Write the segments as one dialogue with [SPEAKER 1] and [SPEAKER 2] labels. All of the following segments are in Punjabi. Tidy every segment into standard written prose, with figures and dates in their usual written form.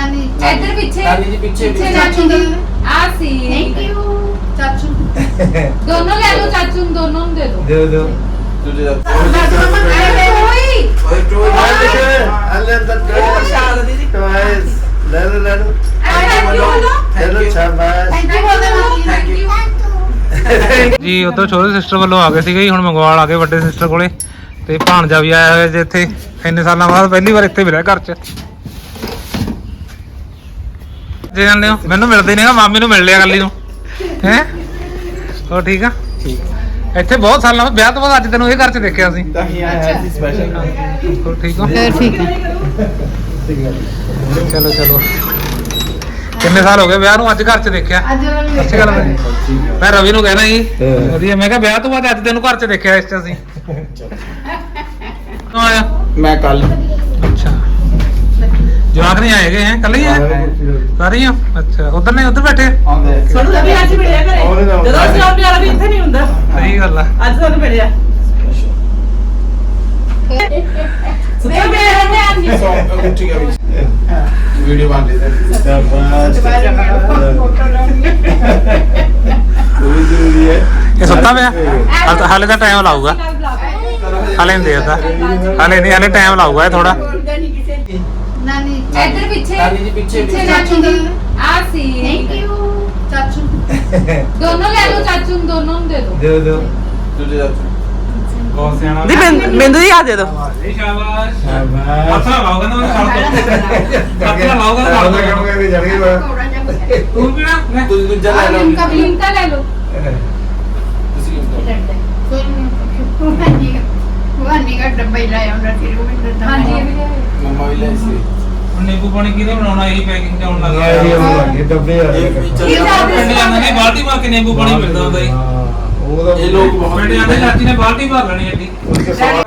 [SPEAKER 1] नानी
[SPEAKER 2] इधर पीछे
[SPEAKER 3] नानी जी पीछे
[SPEAKER 1] चाचू दी
[SPEAKER 2] आसी
[SPEAKER 1] थैंक यू चाचू
[SPEAKER 2] दोनों ले लो चाचू दोनों दे दो
[SPEAKER 4] दे दो
[SPEAKER 3] तुझे
[SPEAKER 2] कोई
[SPEAKER 4] अल्लाह तक दीदी टॉयज ले लो
[SPEAKER 2] थैंक यू
[SPEAKER 4] ले लो शाबाश
[SPEAKER 1] थैंक यू बोल दे
[SPEAKER 3] थैंक यू
[SPEAKER 5] ਜੀ ਉਧਰ ਛੋਟੇ ਸਿਸਟਰ ਵੱਲੋਂ ਆ ਗਏ ਸੀਗੇ ਜੀ, ਹੁਣ ਮੰਗਵਾਲ ਆ ਗਏ ਵੱਡੇ ਸਿਸਟਰ ਕੋਲੇ ਤੇ ਭਾਣਜਾ ਵੀ ਆਇਆ ਹੋਇਆ ਜੇ ਇੱਥੇ ਇੰਨੇ ਸਾਲਾਂ ਬਾਅਦ ਪਹਿਲੀ ਵਾਰ ਇੱਥੇ ਮਿਲਿਆ ਘਰ 'ਚ। ਜੇ ਜਾਂਦੇ ਹੋ ਮੈਨੂੰ ਮਿਲਦੇ ਨੇਗਾ, ਮਾਮੀ ਨੂੰ ਮਿਲ ਲਿਆ ਕੱਲੀ ਨੂੰ ਹੈ। ਹੋਰ ਠੀਕ ਆ? ਇੱਥੇ ਬਹੁਤ ਸਾਲਾਂ ਬਾਅਦ ਵਿਆਹ ਤੋਂ ਬਾਅਦ ਅੱਜ ਤੈਨੂੰ ਇਹ ਘਰ 'ਚ ਦੇਖਿਆ ਸੀ।
[SPEAKER 3] ਤਾਂ ਹੀ ਆਇਆ ਸੀ ਸਪੈਸ਼ਲ
[SPEAKER 5] ਹੋਰ ਠੀਕ ਹੋ?
[SPEAKER 1] ठीक है
[SPEAKER 5] ਚਲੋ ਚਲੋ ਕਿੰਨੇ ਸਾਲ ਹੋ ਗਏ ਵਿਆਹ ਨੂੰ, ਅੱਜ ਘਰ 'ਚ ਦੇਖਿਆ।
[SPEAKER 1] आज
[SPEAKER 5] ਅੱਛੀ ਗੱਲ ਹੈ। ਮੈਂ ਰਵੀ ਨੂੰ ਕਹਿਣਾ ਜੀ ਵਧੀਆ, ਮੈਂ ਕਿਹਾ ਵਿਆਹ ਤੋਂ ਬਾਅਦ ਅੱਜ ਤੈਨੂੰ ਘਰ 'ਚ ਦੇਖਿਆ ਇਸ 'ਚ ਅਸੀਂ। ਕਦੋਂ ਆਇਆ?
[SPEAKER 3] ਮੈਂ ਕੱਲ
[SPEAKER 5] ਅੱਛਾ ਜਵਾਕ ਨਹੀਂ ਆਏਗੇ ਹੈ ਕੱਲ ਹੀ ਹੈ ਸਾਰੇ ਹੀ ਹੋ? ਅੱਛਾ ਉਧਰ ਨਹੀਂ ਉਧਰ ਬੈਠੇ
[SPEAKER 3] ਆਉਂਦੇ
[SPEAKER 6] ਸਾਨੂੰ ਤਾਂ ਵੀ ਅੱਜ ਮਿਲਿਆ ਘਰੇ ਜਦੋਂ ਅਸੀਂ ਆਉਂਦੇ ਵਾਲਾ ਵੀ ਇੱਥੇ ਨਹੀਂ ਹੁੰਦਾ
[SPEAKER 5] ਸਹੀ ਗੱਲ ਆ।
[SPEAKER 6] ਅੱਜ ਸਾਨੂੰ ਮਿਲਿਆ ਸੁੱਤਾ ਪਿਆ ਹੈ
[SPEAKER 3] ਠੀਕ ਹੈ ਵੀਡੀਓ ਬਣ ਰਹੀ ਹੈ
[SPEAKER 4] शाबाश पूरी जरूरी है
[SPEAKER 5] ਇਹ ਸੁੱਤਾ ਪਿਆ ਹਾਲੇ ਤਾਂ ਟਾਈਮ ਲਾਊਗਾ, ਹਾਲੇ ਨਹੀਂ ਦੇਦਾ, ਹਾਲੇ ਨਹੀਂ, ਹਾਲੇ ਟਾਈਮ ਲਾਊਗਾ ਇਹ ਥੋੜਾ।
[SPEAKER 1] नानी
[SPEAKER 2] इधर पीछे
[SPEAKER 3] नानी जी पीछे
[SPEAKER 1] चाचू दी
[SPEAKER 2] आसी
[SPEAKER 1] थैंक यू चाचू
[SPEAKER 2] दोनों ले लो चाचू दोनों दे दो
[SPEAKER 4] दे दो
[SPEAKER 3] तुझे
[SPEAKER 5] ਬਹੁਤ ਸਿਆਣਾ
[SPEAKER 6] ਦੀ ਬਿੰਦੂ ਦੀ ਯਾਦ ਦੇ ਦੋ
[SPEAKER 5] ਸ਼ਾਬਾਸ਼
[SPEAKER 4] शाबाश
[SPEAKER 5] ਹੱਥ ਨਾਲ ਲਾਓਗਾ ਨਾ ਛੱਡ ਦੋ, ਹੱਥ ਨਾਲ ਲਾਓਗਾ ਨਾ ਛੱਡ ਦੋ।
[SPEAKER 4] के जड़ गई बात
[SPEAKER 5] ਤੂੰ ਪੀਣਾ ਮੈਂ
[SPEAKER 3] तुझे दूजा ले लो
[SPEAKER 2] लिमका लिमका ले लो
[SPEAKER 3] ਤੁਸੀਂ
[SPEAKER 1] वानी का डब्बा ही लाया हमरा फिर वो भी
[SPEAKER 2] हाँ जी ये भी ले लो।
[SPEAKER 3] ਮੰਮਾ ਵੀ ਲੈ ਸੀ
[SPEAKER 5] ਹੁਣ ਨਿੰਬੂ ਪਾਣੀ ਕਿਹਦੇ ਬਣਾਉਣਾ, ਇਹੀ ਪੈਕਿੰਗ ਚ ਆਉਣ ਲੱਗ
[SPEAKER 4] ये
[SPEAKER 5] ਗਿਆ।
[SPEAKER 4] ये डब्बे आ
[SPEAKER 3] ਇਹ ਵੀ
[SPEAKER 4] गए
[SPEAKER 3] ਚੱਲ
[SPEAKER 2] ਇਹ ਜ਼ਿਆਦਾ
[SPEAKER 5] ਪਿੰਡ ਜਾਂਦੇ ਨੇ ਬਾਲਟੀ ਭਰ ਕੇ ਨਿੰਬੂ ਪਾਣੀ ਮਿਲਦਾ ਹੁੰਦਾ ਜੀ।
[SPEAKER 4] वो तो
[SPEAKER 3] ਇਹ ਲੋਕ ਬਹੁਤ
[SPEAKER 5] ਪਿੰਡ ਜਾਂਦੇ ਚਾਚੀ ਨੇ ਬਾਲਟੀ ਭਰ ਲੈਣੀ ਐਡੀ।
[SPEAKER 4] उसके सवाल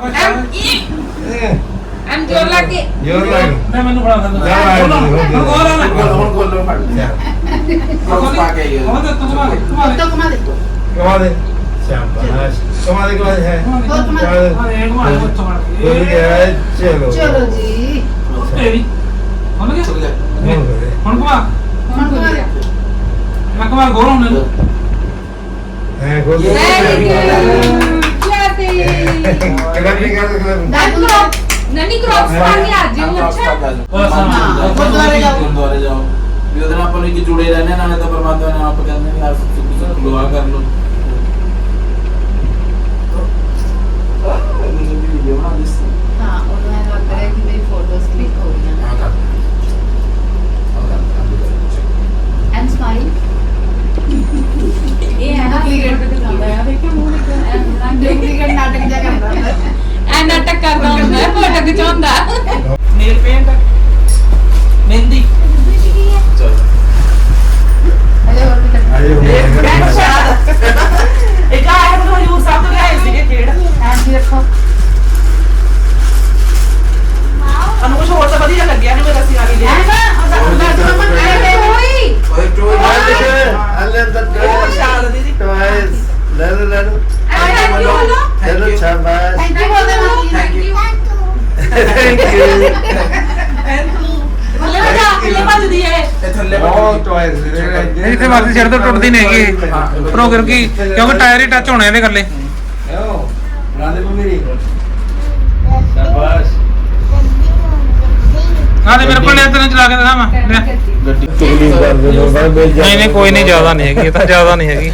[SPEAKER 2] हम जोर लगे
[SPEAKER 4] जोर लग
[SPEAKER 5] ਮੈਂ ਮੈਨੂੰ ਫੜਾ ਦਿੰਦਾ।
[SPEAKER 4] ਜਾ ਆਇਆ ਜੀ, ਹੋ ਗਿਆ।
[SPEAKER 5] ਹੋਰ ਆ ਨਾ।
[SPEAKER 3] ਹੁਣ ਖੋਲੋ ਫੜ ਉਹ ਪਾ ਕੇ ਆਈ
[SPEAKER 5] ਉਹ ਤੇ ਤੂੰ ਮਾਰ ਤੂੰ ਮਾਰ।
[SPEAKER 1] तो कमा दे
[SPEAKER 4] कमा दे शाबाश कमा दे के बाद है
[SPEAKER 1] बहुत कमा दे
[SPEAKER 5] ਹਾਂ ਇਹ ਘੁਮਾ ਦੇ ਉੱਥੋਂ ਮਾਰ ਕੇ।
[SPEAKER 4] बोल गया चलो
[SPEAKER 1] चलो जी
[SPEAKER 5] ਤੇਰੀ ਹੁਣ ਗਿਆ
[SPEAKER 3] ਚੱਲ ਜਾ
[SPEAKER 4] हो गए
[SPEAKER 5] ਹੁਣ ਘੁਮਾ
[SPEAKER 1] मन को दिया
[SPEAKER 5] ਮੈਂ ਘੁਮਾ ਗੋਲ ਹੁਣ ਨੂੰ
[SPEAKER 4] हैं खोल
[SPEAKER 3] ये-
[SPEAKER 2] जाते
[SPEAKER 4] कलर भी कर दे
[SPEAKER 1] दादू
[SPEAKER 2] ननी क्रॉक्स पा के आ जाओ अच्छा
[SPEAKER 1] गुरुद्वारे जाओ।
[SPEAKER 3] ਗੁਰਦੁਆਰੇ ਜਾਓ ਵੀ ਉਹਦੇ ਨਾਲ ਆਪਾਂ ਨੂੰ ਇੱਕ ਜੁੜੇ ਰਹਿੰਦੇ ਨਾਲੇ ਤਾਂ ਪਰਮਾਤਮਾ ਨਾਲ ਆਪਾਂ ਕਹਿੰਦੇ ਨੇ ਆਪ ਦੁਆ ਕਰ ਲਓ ਵੀਡੀਓ ਬਣਾ ਦਿਸ
[SPEAKER 1] हां और मैं लग रहा है कि मेरी फोटोज क्लिक हो गई हैं एंड स्माइल
[SPEAKER 2] ये है ना
[SPEAKER 1] डुप्लीकेट पे दिखाता है देखो मुंह डुप्लीकेट नाटक जा करता है
[SPEAKER 2] ਐ ਨਾਟਕ ਕਰਦਾ ਹੁੰਦਾ ਹੈ ਫੋਟੋ ਖਿਚਾਉਂਦਾ
[SPEAKER 6] ਨੇਲ ਪੇਂਟ ਮਹਿੰਦੀ
[SPEAKER 3] ਚਲੋ
[SPEAKER 1] हेलो और भी करता
[SPEAKER 4] आए हो
[SPEAKER 6] ਬੈਂਕ ਸ਼ਾਦ ਇੱਕ ਆਇਆ ਮੈਨੂੰ ਹਜੂਰ ਸਾਹਿਬ ਤੋਂ ਲਿਆਏ ਸੀਗੇ ਖੇਡ
[SPEAKER 1] हैंड भी रखो
[SPEAKER 6] ਸਾਨੂੰ ਕੁਝ ਹੋਰ ਤਾਂ ਵਧੀਆ ਲੱਗਿਆ ਨਹੀਂ ਮੇਰਾ ਸੀ ਆ ਕੇ
[SPEAKER 1] है
[SPEAKER 6] ਲਿਆ
[SPEAKER 1] ना और दादू मम्मा आए कोई
[SPEAKER 3] ਓਏ ਟੋਏ
[SPEAKER 4] अल्लाह तक
[SPEAKER 6] ਸ਼ਾਦ ਦੀਦੀ
[SPEAKER 4] टॉयज ले लो
[SPEAKER 1] थैंक
[SPEAKER 4] चलो शाबाश
[SPEAKER 1] यू बोल दे
[SPEAKER 3] थैंक यू
[SPEAKER 4] थैंक यू
[SPEAKER 6] ਮੱਲੇ ਨਾ ਜਾ ਕੇ ਭੱਜਦੀ ਏ
[SPEAKER 3] ਇਹ ਥੱਲੇ
[SPEAKER 4] बहुत टॉयज
[SPEAKER 5] ਇਹ ਜਿੱਥੇ ਮਰਜ਼ੀ ਛੱਡ ਦੋ ਟੁੱਟਦੀ ਨਹੀਂ ਹੈਗੀ ਉੱਪਰੋਂ ਕਿਉਂਕਿ ਟਾਇਰ ਹੀ ਟੱਚ ਹੋਣੇ ਇਹਦੇ ਗੱਲੇ।
[SPEAKER 4] बना दे मेरी शाबाश
[SPEAKER 5] ਹਾਂ ਤੇ ਮੇਰੇ ਕੋਲ ਨੇ ਤੈਨੂੰ ਚਲਾ ਕੇ ਦਿਖਾਵਾਂ ਲੈ।
[SPEAKER 3] ਗੱਡੀ
[SPEAKER 4] चुगली कर दे लो भाई
[SPEAKER 5] ਨਹੀਂ ਨਹੀਂ ਕੋਈ ਨਹੀਂ, ਜ਼ਿਆਦਾ ਨਹੀਂ ਹੈਗੀ, ਇਹ ਤਾਂ ਜ਼ਿਆਦਾ ਨਹੀਂ ਹੈਗੀ।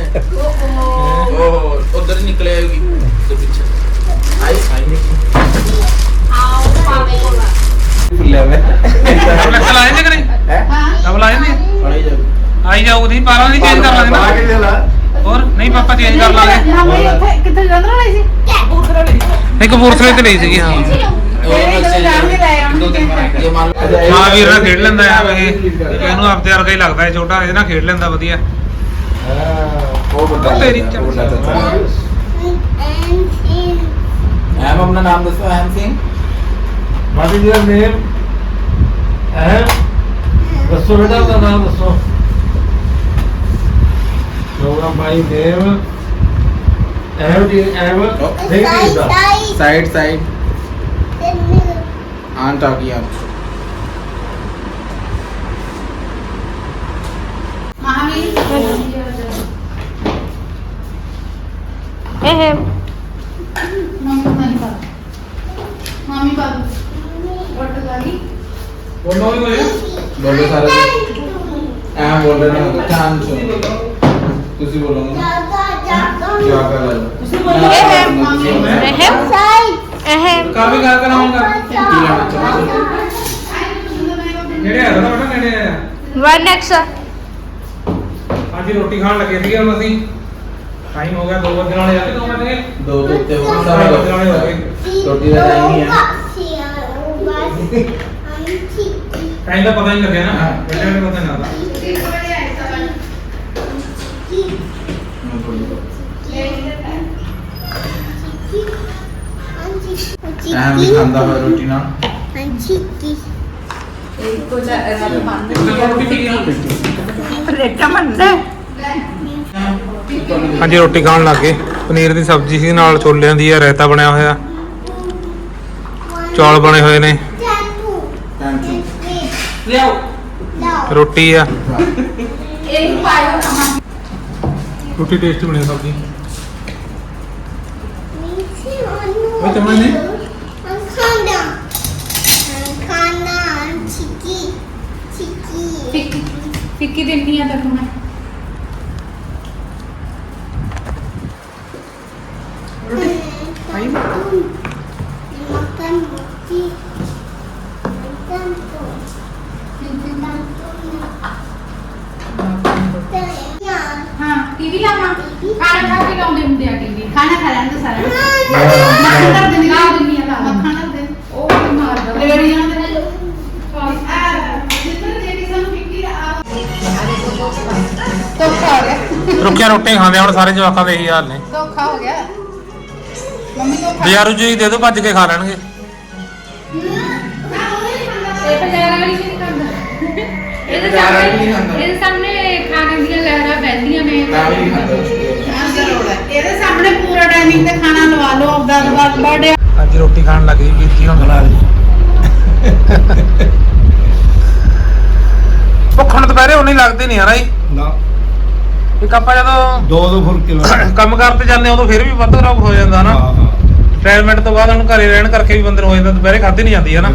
[SPEAKER 3] ਉਹ ਉਧਰ ਹੀ ਨਿਕਲੇ ਆਏਗੀ ਤੇ ਪਿੱਛੇ ਆਈ ਫੁੱਲੇ ਵੇ
[SPEAKER 5] ਡਬਲ ਲਾਏ ਨੇ ਕਰੇ
[SPEAKER 3] ਹੈ
[SPEAKER 5] ਡਬਲ ਆਏ ਨੇ
[SPEAKER 3] ਪੜਾਈ ਜਾ
[SPEAKER 5] ਆਈ ਜਾਊਗੀ 12 ਦੀ ਚੇਂਜ ਕਰ ਲਾਂਗੇ ਨਾ।
[SPEAKER 4] आगे चला
[SPEAKER 5] ਹੋਰ ਨਹੀਂ ਪਾਪਾ ਚੇਂਜ ਕਰ ਲਾਂਗੇ।
[SPEAKER 1] हम ये कितने जल्द रही थी
[SPEAKER 6] ਕਬੂਤਰ ਲਈ
[SPEAKER 5] ਨਹੀਂ ਕਪੂਰਥਲੇ ਤੇ ਲਈ ਸੀਗੀ। ਹਾਂ
[SPEAKER 3] ਇਹ ਮੰਨ ਲਓ
[SPEAKER 5] ਹਾਂ ਵੀਰ ਨਾਲ ਖੇਡ ਲੈਂਦਾ ਆ ਇਹ ਇਹਨੂੰ ਆਪਦੇ ਵਰਗਾ ਹੀ ਲੱਗਦਾ ਹੈ ਛੋਟਾ, ਇਹਦੇ ਨਾਲ ਖੇਡ ਲੈਂਦਾ ਵਧੀਆ।
[SPEAKER 3] ਉਹ ਵੱਡਾ
[SPEAKER 5] ਤੇਰੀ
[SPEAKER 3] ਵੱਡਾ ਚਾਚਾ ਐਮ ਆਪਣਾ ਨਾਮ ਦੱਸੋ M Singh
[SPEAKER 4] What is your name? दसो बेटा अपना नाम दसो program by name
[SPEAKER 3] side side aunt आ गया
[SPEAKER 2] ਇਹ
[SPEAKER 1] ਮਾਮੀ ਬਾਬੂ ਵਟ ਗਾਲੀ
[SPEAKER 5] ਬੋਲੋ ਵੀ ਹੋਇਆ
[SPEAKER 3] ਬੋਲੋ ਸਾਰੇ ਐ ਬੋਲ ਰਹੇ ਨੇ ਚਾਂਦ ਚੋ ਤੁਸੀਂ ਬੋਲੋਗੇ ਜਾ ਕਰ ਲੈ
[SPEAKER 6] ਤੁਸੀਂ ਬੋਲੋ
[SPEAKER 2] ਇਹ
[SPEAKER 5] ਕਰ ਵੀ ਗੱਲ ਕਰਾਉਂਗਾ
[SPEAKER 3] ਕੀ ਲੈਣਾ ਚਾਹੁੰਦੇ
[SPEAKER 5] ਨੇੜੇ ਆ ਨਾ ਬੇਟਾ ਨੇੜੇ ਆ
[SPEAKER 2] 1x
[SPEAKER 5] ਅੱਜ ਹੀ ਰੋਟੀ ਖਾਣ ਲੱਗੇ ਸੀਗੇ ਹੁਣ ਅਸੀਂ ਟਾਈਮ ਹੋ ਗਿਆ 2 ਵਜੇ ਵਾਲੇ ਆ 2 ਵਜੇ
[SPEAKER 3] ਦੋ ਦੇ ਉੱਤੇ ਹੋ
[SPEAKER 5] 2
[SPEAKER 3] ਸਾਰਾ
[SPEAKER 5] ਵਜੇ ਵਾਲੇ ਹੋ ਗਏ
[SPEAKER 3] ਰੋਟੀ ਦਾ ਟਾਈਮ ਹੀ ਹੈ
[SPEAKER 5] ਟਾਈਮ ਦਾ ਪਤਾ ਨਹੀਂ ਲੱਗਿਆ ਨਾ ਬੇਟੇ ਨੂੰ ਪਤਾ ਨਹੀਂ ਲੱਗਦਾ
[SPEAKER 3] ਐਂ ਵੀ ਖਾਂਦਾ ਹੋਇਆ ਰੋਟੀ ਨਾਲ
[SPEAKER 2] ਕੁਝ ਰੱਬ ਮੰਨ
[SPEAKER 5] ਰੋਟੀ ਪੀ ਗਿਆ
[SPEAKER 2] ਰੇਟਾ ਮੰਨਦਾ
[SPEAKER 5] ਹਾਂਜੀ ਰੋਟੀ ਖਾਣ ਲੱਗ ਗਏ ਪਨੀਰ ਦੀ ਸਬਜ਼ੀ ਸੀ ਨਾਲ ਛੋਲਿਆਂ ਦੀ ਆ ਰਾਇਤਾ ਬਣਿਆ ਹੋਇਆ ਚੌਲ ਬਣੇ ਹੋਏ ਨੇ
[SPEAKER 6] ਲਿਆਓ
[SPEAKER 5] ਰੋਟੀ ਆ
[SPEAKER 2] ਇਹ ਪਾਇਓ
[SPEAKER 5] ਰੋਟੀ ਟੇਸਟੀ ਬਣੀ ਸਬਜ਼ੀ ਉਹ ਚਮਚ ਨੇ
[SPEAKER 2] ਫਿੱਕੀ ਦਿੰਦੀ ਆ ਤੈਨੂੰ ਮੈਂ
[SPEAKER 1] ਹਾਂ ਟੀਵੀ ਲਾਵਾਂ ਖਾਣਾ ਖਾ ਕੇ ਲਾਉਂਦੇ ਹੁੰਦੇ ਆ ਟੀਵੀ ਖਾਣਾ ਖਾ ਲੈਂਦੇ ਸਾਰਾ ਮੱਖਣ ਕਰ ਦਿੰਦੀ ਲਾ ਦਿੰਦੀ ਆ ਮੱਖਣ ਕਰ ਦੇ ਉਹ ਮਾਰਦਾ ਲੇੜੀਆਂ ਦੇ ਜਿੱਦਾਂ ਜਿਹੜੀ ਸਾਨੂੰ ਫਿੱਕੀ ਆ ਧੋਖਾ ਹੋ ਗਿਆ
[SPEAKER 5] ਰੁੱਖੀਆਂ ਰੋਟੀਆਂ ਖਾਂਦੇ ਆ ਹੁਣ ਸਾਰੇ ਜਵਾਕਾਂ ਦੇ ਇਹੀ ਹਾਲ ਨੇ
[SPEAKER 1] ਧੋਖਾ ਹੋ ਗਿਆ ਮੰਮੀ ਧੋਖਾ
[SPEAKER 5] ਬਾਜ਼ਾਰੋਂ ਜੀ ਦੇ ਦਿਓ ਭੱਜ ਕੇ ਖਾ ਲੈਣਗੇ
[SPEAKER 2] ਇਹ ਪੰਜਾਬ ਵਾਲੀ ਨਹੀਂ ਖਾਂਦਾ ਇਹਦੇ ਸਾਹਮਣੇ ਖਾਣੇ ਦੀਆਂ ਲਹਿਰਾਂ ਬਹਿੰਦੀਆਂ ਨੇ
[SPEAKER 3] ਮੈਂ ਵੀ ਨਹੀਂ ਖਾਂਦਾ
[SPEAKER 1] ਇਹਦੇ ਸਾਹਮਣੇ ਪੂਰਾ ਟਾਈਮਿੰਗ ਤੇ ਖਾਣਾ ਲਵਾ ਲਓ ਆਪਦਾ ਬਰਥਡੇ
[SPEAKER 5] ਅੱਜ ਰੋਟੀ ਖਾਣ ਲੱਗੀ ਵੀਰ ਜੀ ਹੁਣ ਖਲਾ ਲਈ ਭੁੱਖਣ ਦੁਪਹਿਰੇ ਉਨੀ ਲੱਗਦੀ ਨਹੀਂ ਯਾਰ
[SPEAKER 4] ਨਾ
[SPEAKER 5] ਇੱਕ ਆਪਾਂ ਜਦੋਂ
[SPEAKER 4] 2 ਫੁਲਕੇ ਲਾ
[SPEAKER 5] ਕੰਮ ਕਰਤੇ ਜਾਂਦੇ ਉਦੋਂ ਫਿਰ ਵੀ ਵੱਧ ਰੋਗ ਹੋ ਜਾਂਦਾ ਨਾ
[SPEAKER 4] ਹਾਂ
[SPEAKER 5] ਰਿਟਾਇਰਮੈਂਟ ਤੋਂ ਬਾਅਦ ਹੁਣ ਘਰੇ ਰਹਿਣ ਕਰਕੇ ਵੀ ਬੰਦੇ ਨੂੰ ਹੋ ਜਾਂਦਾ ਦੁਪਹਿਰੇ ਖਾਧੀ ਨਹੀਂ ਜਾਂਦੀ ਹੈ ਨਾ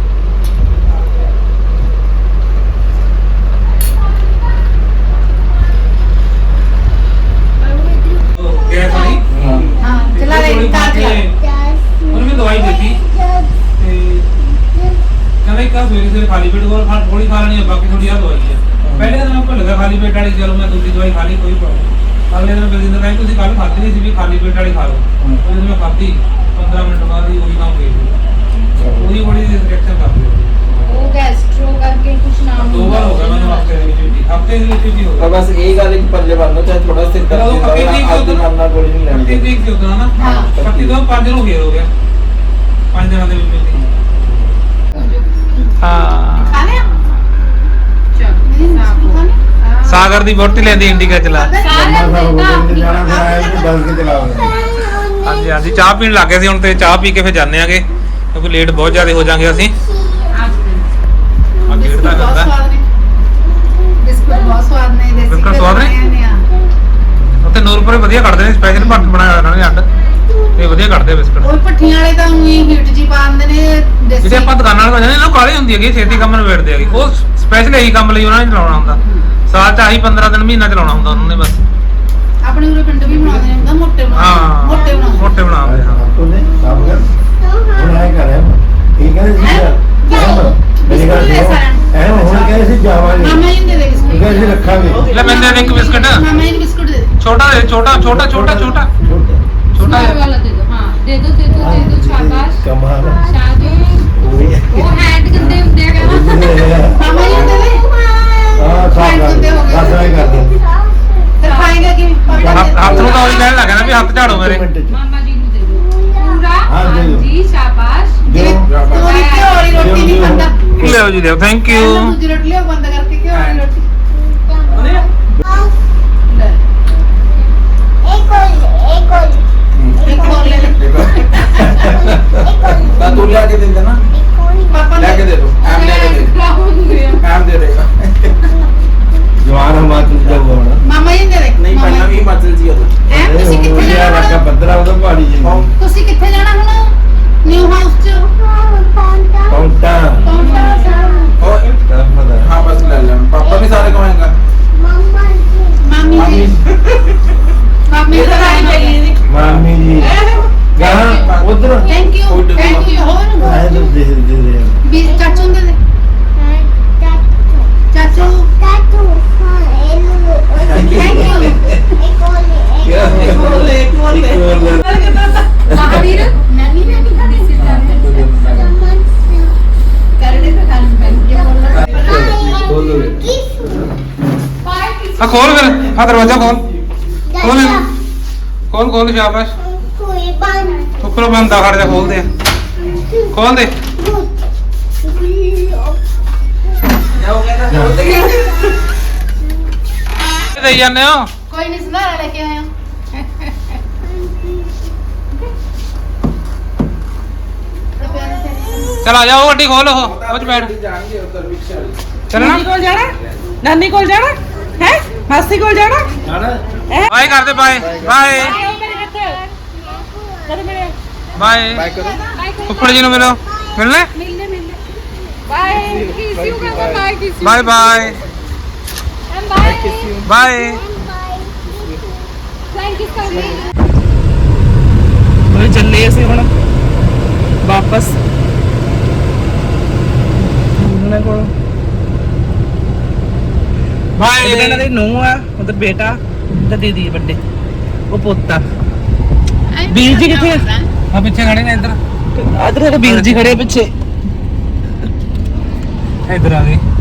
[SPEAKER 5] ਗੈਸ ਨਹੀਂ
[SPEAKER 1] ਹਾਂ ਚਲਾ ਲੈ ਕਾਰ ਚਲਾ
[SPEAKER 5] ਉਹਨੇ ਮੈਨੂੰ ਦਵਾਈ ਦਿੱਤੀ ਤੇ ਕਹਿੰਦਾ ਇੱਕ ਸਵੇਰੇ ਖਾਲੀ ਪੇਟ ਥੋੜੀ ਖਾ ਲੈਣੀ ਆ ਬਾਕੀ ਥੋੜੀ ਆ ਦਵਾਈ ਆ ਪਹਿਲੇ ਦਿਨ ਮੈਂ ਭੁੱਲ ਗਿਆ ਖਾਲੀ ਪੇਟ ਵਾਲੀ ਚਲੋ ਮੈਂ ਦੂਜੀ ਦਵਾਈ ਖਾ ਲਈ ਕੋਈ ਪ੍ਰੋਬਲਮ ਅਗਲੇ ਦਿਨ ਬਲਜਿੰਦਰ ਕਹਿੰਦਾ ਤੁਸੀਂ ਕੱਲ ਖਾਧੀ ਨਹੀਂ ਸੀ ਵੀ ਖਾਲੀ ਪੇਟ ਵਾਲੀ ਖਾ ਲਓ ਉਹ ਜਦੋਂ ਮੈਂ ਖਾਧੀ 15 ਮਿੰਟ ਬਾਅਦ ਹੀ ਉਹੀ ਕੰਮ ਗਈ ਉਹਦੀ ਬੜੀ ਰਿਐਕਸ਼ਨ ਕਰਦੀ
[SPEAKER 2] ਉਹ ਗੈਸਟ੍ਰੋ ਕਰਕੇ ਕੁਛ ਨਾਮ
[SPEAKER 5] 2 ਵਾਰ ਹੋ ਗਿਆ ਮੈਨੂੰ ਹਫਤੇ ਦੇ ਵਿੱਚ ਵੀ ਹੋ
[SPEAKER 3] ਤਾਂ
[SPEAKER 5] ਗਿਆ
[SPEAKER 3] ਬਸ ਇਹ ਗੱਲ ਇੱਕ ਪੱਲੇ ਬੰਨੋ ਚਾਹੇ ਥੋੜਾ ਸਿਰ ਕਰ
[SPEAKER 5] ਚਲੋ, ਪੱਕੀ ਤਰੀਕ
[SPEAKER 3] ਅੱਜ
[SPEAKER 5] ਤੋਂ
[SPEAKER 3] ਖਾਣਾ ਗੋਲੀ ਨਹੀਂ ਲੈਣੀ
[SPEAKER 5] 30 ਤਰੀਕ ਸੀ ਉਦੋਂ ਨਾ
[SPEAKER 1] ਹਾਂ।
[SPEAKER 5] 31 ਤੋਂ 5 ਦਿਨ ਹੋ ਗਏ 5 ਦਿਨਾਂ ਦੇ ਵਿੱਚ ਹਾਂ
[SPEAKER 1] ਖਾ ਲਿਆ ਚਲ ਮੇਰੀ ਸਾਬੂ ਖਾ ਲਿਆ
[SPEAKER 5] ਸਾਗਰ ਦੀ ਬੋਟੀ ਲੈਂਦੀ ਇੰਡੀਕਾ ਚਲਾ
[SPEAKER 2] ਸਾਰਿਆਂ ਦੇ
[SPEAKER 4] ਜਾਣਾ ਫਿਰ ਆਇਆ ਕਿ ਬਸ ਕੇ ਚਲਾਵਾਂਗੇ
[SPEAKER 5] ਹਾਂਜੀ ਹਾਂਜੀ ਚਾਹ ਪੀਣ ਲੱਗੇ ਸੀ ਹੁਣ ਤੇ ਚਾਹ ਪੀ ਕੇ ਫਿਰ ਜਾਂਦੇ ਆਂਗੇ ਕਿਉਂਕਿ ਲੇਟ ਬਹੁਤ ਜ਼ਿਆਦਾ ਹੋ ਜਾਾਂਗੇ ਅਸੀਂ ਗੇੜ ਦਾ
[SPEAKER 1] ਬਹੁਤ
[SPEAKER 5] ਕਰਦਾ
[SPEAKER 1] ਸਵਾਦ ਨੇ ਬਿਸਕੁਟ ਬਹੁਤ ਸਵਾਦ ਨੇ ਦੇਸੀ
[SPEAKER 5] ਬਿਸਕੁਟ ਸਵਾਦ ਨੇ?
[SPEAKER 1] ਨੇ
[SPEAKER 5] ਉੱਥੇ ਨੂਰਪੁਰੇ ਵਧੀਆ ਕੱਢਦੇ ਨੇ ਸਪੈਸ਼ਲ ਭੱਟ ਬਣਾਇਆ ਉਹਨਾਂ ਨੇ ਅੱਡ ਤੇ ਵਧੀਆ ਕੱਢਦੇ ਬਿਸਕੁਟ
[SPEAKER 1] ਉਹ ਭੱਠੀਆਂ ਵਾਲੇ ਤਾਂ ਉਹੀ ਹੀਟ ਜੀ ਪਾ ਦਿੰਦੇ ਨੇ ਦੇਸੀ
[SPEAKER 5] ਜਿਹੜੇ ਆਪਾਂ ਦੁਕਾਨਾਂ ਵਾਲੇ ਜਾਂਦੇ ਨੇ ਉਹ ਕਾਲੀ ਹੁੰਦੀ ਹੈਗੀ ਛੇਤੀ ਕੰਮ ਨਿਬੇੜਦੇ ਹੈਗੇ ਉਹ ਸਪੈਸ਼ਲ ਇਹੀ ਕੰਮ ਲਈ ਉਹਨਾਂ ਨੇ ਚਲਾਉਣਾ ਹੁੰਦਾ ਸਾਲ ਚ ਆਹੀ 15 ਦਿਨ ਮਹੀਨਾ ਚਲਾਉਣਾ ਹੁੰਦਾ ਉਹਨਾਂ ਨੇ ਬਸ
[SPEAKER 1] ਆਪਣੇ ਉਰੇ ਪਿੰਡ ਵੀ ਬਣਾਉਂਦੇ ਨੇ ਹੁੰਦਾ ਮੋਟੇ ਬਣਾਉਂਦੇ
[SPEAKER 5] ਹਾਂ
[SPEAKER 1] ਮੋਟੇ ਬਣਾਉਂਦੇ
[SPEAKER 5] ਮੋਟੇ ਬਣਾਉਂਦੇ ਹਾਂ
[SPEAKER 4] ਉਹਨੇ ਸਭ ਕਰ ਹੁਣ ਆਏ ਕਰ ਠੀਕ ਹੈ ਜੀ ਮੇਰੀ ਗੱਲ ਸੁਣੋ ਐ ਹੁਣ ਕਹਿੰਦੇ ਸੀ ਜਾਵਾਂਗੇ
[SPEAKER 1] ਮਾਮਾ ਜੀ ਨੂੰ ਦੇ ਦੇ ਬਿਸਕੁਟ
[SPEAKER 4] ਕਹਿੰਦੇ ਸੀ ਰੱਖਾਂਗੇ
[SPEAKER 5] ਲੈ ਮੈਂ ਦੇ ਦੇ ਇੱਕ ਬਿਸਕਟ
[SPEAKER 1] ਮਾਮਾ ਜੀ ਨੂੰ ਬਿਸਕੁਟ ਦੇ ਦੇ
[SPEAKER 5] ਛੋਟਾ ਦੇ ਛੋਟਾ ਛੋਟਾ ਛੋਟਾ ਛੋਟਾ
[SPEAKER 4] ਛੋਟੇ
[SPEAKER 5] ਛੋਟਾ
[SPEAKER 2] small ਵਾਲਾ ਦੇ ਦੋ ਹਾਂ ਦੇ ਦੋ ਸ਼ਾਬਾਸ਼
[SPEAKER 4] ਕਮਾਲ ਹੈ।
[SPEAKER 2] ਸ਼ਾਬਾਸ਼ ਉਹ ਹੈਂਡ ਗੰਦੇ ਹੁੰਦੇ ਹੈਗਾ
[SPEAKER 1] ਮਾਮਾ ਜੀ ਨੂੰ ਦੇ ਦੇ
[SPEAKER 4] ਹਾਂ ਸਾਫ ਕਰ ਬਸ ਆਏ ਕਰਦੇ
[SPEAKER 1] ਫਿਰ ਖਾਏਗਾ ਕਿਵੇਂ
[SPEAKER 5] ਹੱਥ ਨੂੰ ਤਾਂ ਉਹੀ ਕਹਿਣ ਲੱਗਾ ਨਾ ਵੀ ਹੱਥ ਝਾੜੋ ਮੇਰੇ
[SPEAKER 2] ਮਾਮਾ ਜੀ ਨੂੰ ਦੇ ਦੋ ਪੂਰਾ
[SPEAKER 4] ਹਾਂ, ਦੇ ਦਿਓ।
[SPEAKER 2] ਹਾਂਜੀ ਸ਼ਾਬਾਸ਼
[SPEAKER 1] ਜਿਵੇਂ ਤੂੰ ਘਿਓ ਵਾਲੀ ਰੋਟੀ ਨਹੀਂ ਖਾਂਦਾ
[SPEAKER 5] ਲਿਓ ਜੀ ਲਿਓ ਥੈਂਕ ਯੂ
[SPEAKER 1] ਦੂਜੀ ਰੋਟੀ ਲਿਓ ਬੰਦ ਕਰਕੇ ਘਿਓ ਵਾਲੀ ਰੋਟੀ ਲੈ ਇੱਕ ਹੋਰ ਲੈ ਲੈ
[SPEAKER 3] ਤਾਂ ਤੂੰ ਲਿਆ ਕੇ ਦੇ ਦੇਣਾ
[SPEAKER 1] ਪਾਪਾ
[SPEAKER 3] ਲੈ ਕੇ ਦੇ ਦੋ ਐਮ ਲੈ ਕੇ ਦੇ ਐਮ ਦੇ ਦੇਗਾ
[SPEAKER 4] ਜਵਾਨ ਹਿਮਾਚਲ ਦਾ ਹੋਣਾ
[SPEAKER 1] ਮਾਮਾ ਜੀ ਨੂੰ ਦੇ ਦੇ
[SPEAKER 3] ਨਹੀਂ ਪਹਿਲਾਂ ਵੀ ਹਿਮਾਚਲ ਜੀ ਉਦੋਂ
[SPEAKER 1] ਐ ਤੁਸੀਂ ਕਿੱਥੇ
[SPEAKER 4] ਲਿਆ
[SPEAKER 1] ਜਾਣਾ
[SPEAKER 4] ਰੱਖਾ 15
[SPEAKER 5] ਆ ਖੋਲ ਫਿਰ ਆ ਦਰਵਾਜ਼ਾ ਖੋਲ ਇਹਨੂੰ। ਖੋਲ ਸ਼ਾਬਾਸ਼ ਉੱਪਰੋਂ ਬੰਦ ਆ ਖੜ ਜਾ ਖੋਲ ਦੇ ਖੋਲ ਦੇ ਦੇਈ ਜਾਂਦੇ ਹੋ
[SPEAKER 1] ਕੋਈ ਨਹੀਂ ਸੰਧਾਰਾ ਲੈ ਕੇ ਆਇਆ
[SPEAKER 5] ਚਲ ਆ ਜਾ ਉਹ ਗੱਡੀ ਖੋਲ ਉਹ ਚ ਬੈਠ
[SPEAKER 3] ਜਾਣਗੇ ਉੱਧਰ ਰਿਕਸ਼ਾ
[SPEAKER 5] ਚੱਲਣਾ
[SPEAKER 6] ਨਾਨੀ ਕੋਲ ਜਾਣਾ ਨਾਨੀ ਕੋਲ ਜਾਣਾ ਹੈ ਮਾਸੀ ਕੋਲ ਜਾਣਾ
[SPEAKER 4] ਜਾਣਾ
[SPEAKER 5] ਬਾਏ ਕਰਦੇ ਬਾਏ ਬਾਏ ਬਾਏ
[SPEAKER 3] ਬਾਈ ਕਰੋ
[SPEAKER 5] ਫੁੱਫੜ ਜੀ ਨੂੰ ਮਿਲੋ ਮਿਲਣਾ
[SPEAKER 2] ਬਾਏ ਕਿਸ ਯੂ ਕਰਦਾ bye kiss
[SPEAKER 5] bye bye
[SPEAKER 2] M bye
[SPEAKER 5] bye
[SPEAKER 2] thank you for me
[SPEAKER 6] ਉਹ ਚੱਲੇ ਅਸੀਂ ਹੁਣ ਵਾਪਸ ਉਹਨਾਂ ਕੋਲ ਇਹਨਾਂ
[SPEAKER 5] ਬਾਏ
[SPEAKER 6] ਦੇ ਨੂੰਹ ਆ ਉਹਦਾ ਬੇਟਾ ਤੇ ਦੀਦੀ ਵੱਡੇ ਉਹ ਪੋਤਾ ਵੀਰ ਜੀ ਕਿੱਥੇ ਆ
[SPEAKER 5] ਆ ਪਿੱਛੇ ਖੜੇ ਨੇ ਇੱਧਰ
[SPEAKER 6] ਆਦਰ ਵੀਰ ਜੀ ਖੜੇ ਪਿੱਛੇ
[SPEAKER 5] ਇੱਧਰ ਆ ਗਏ